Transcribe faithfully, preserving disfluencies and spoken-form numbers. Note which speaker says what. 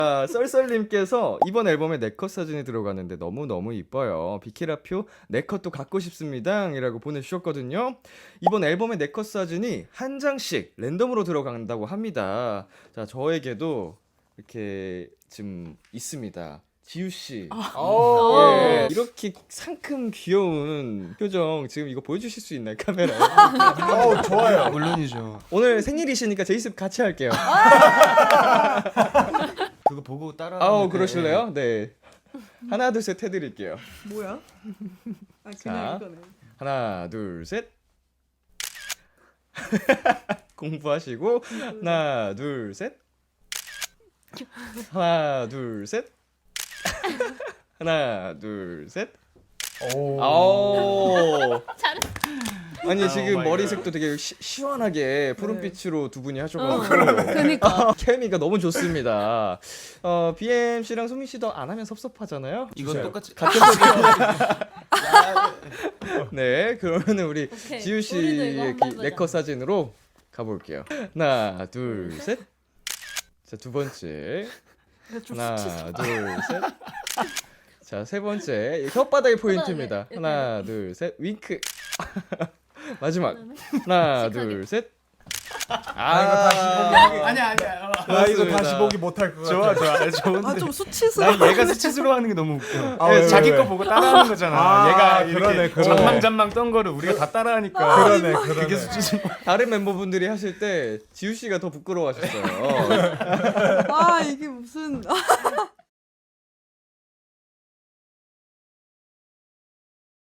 Speaker 1: 아, 썰썰님께서 이번 앨범에 네컷 사진이 들어가는데 너무너무 이뻐요. 비키라표 네컷도 갖고 싶습니다 이라고 보내주셨거든요. 이번 앨범에 네컷 사진이 한 장씩 랜덤으로 들어간다고 합니다. 자, 저에게도 이렇게 지금 있습니다. 지우씨, 예, 이렇게 상큼 귀여운 표정 지금 이거 보여주실 수 있나요, 카메라에?
Speaker 2: 어, 좋아요.
Speaker 3: 물론이죠.
Speaker 1: 오늘 생일이시니까 제이습 같이 할게요.
Speaker 3: 그거 보고 따라.
Speaker 1: 아우, 그러실래요? 네. 하나, 둘, 셋 해드릴게요.
Speaker 4: 뭐야? 아
Speaker 1: 자.
Speaker 4: 그냥 이거네.
Speaker 1: 하나, 둘, 셋. 공부하시고 하나, 둘, 셋. 하나, 둘, 셋. 하나, 둘, 셋.
Speaker 2: 오.
Speaker 1: 아오.
Speaker 5: 잘했어.
Speaker 1: 아니
Speaker 2: 오
Speaker 1: 지금
Speaker 2: 마이
Speaker 1: 머리색도 되게 시, 시원하게 푸른빛으로 두 분이
Speaker 5: 어,
Speaker 1: 하셔가지고
Speaker 5: 그니까.
Speaker 1: 케미가 너무 좋습니다. 어, 비엠씨랑 소민 씨도 안 하면 섭섭하잖아요.
Speaker 3: 이건
Speaker 2: 주세요.
Speaker 3: 똑같이.
Speaker 1: 같은 소리. 네, 그러면은 우리
Speaker 5: 오케이.
Speaker 1: 지우
Speaker 5: 우리도 이거
Speaker 1: 씨의
Speaker 5: 한번
Speaker 1: 그
Speaker 5: 해보자.
Speaker 1: 네컷 사진으로 가볼게요. 하나, 둘, 셋. 자, 두 번째. 하나, 둘, 셋. 자, 세 번째. 혓바닥이 포인트입니다.
Speaker 5: 이렇게.
Speaker 1: 하나, 둘, 셋. 윙크. 마지막. 하나, 둘, 셋. 아,
Speaker 3: 아니야 아니야.
Speaker 2: 나 이거
Speaker 1: 그렇습니다.
Speaker 2: 다시 보기 못할 것
Speaker 3: 좋아
Speaker 2: 같아.
Speaker 3: 좋아 좋은데.
Speaker 4: 아좀 수치스러워.
Speaker 3: 난 얘가 수치스러워하는 게 너무 웃겨.
Speaker 2: 아, 왜,
Speaker 3: 자기
Speaker 2: 왜,
Speaker 3: 거
Speaker 2: 왜?
Speaker 3: 보고 따라하는 거잖아.
Speaker 2: 아,
Speaker 3: 얘가
Speaker 2: 그러네,
Speaker 3: 이렇게
Speaker 2: 그러네.
Speaker 3: 잔망잔망 떤 거를 우리가 다 따라하니까.
Speaker 2: 그러네, 그러네.
Speaker 3: 그게 수치스러워.
Speaker 1: 다른 멤버분들이 하실 때 지우 씨가 더 부끄러워하셨어요.
Speaker 4: 아 이게 무슨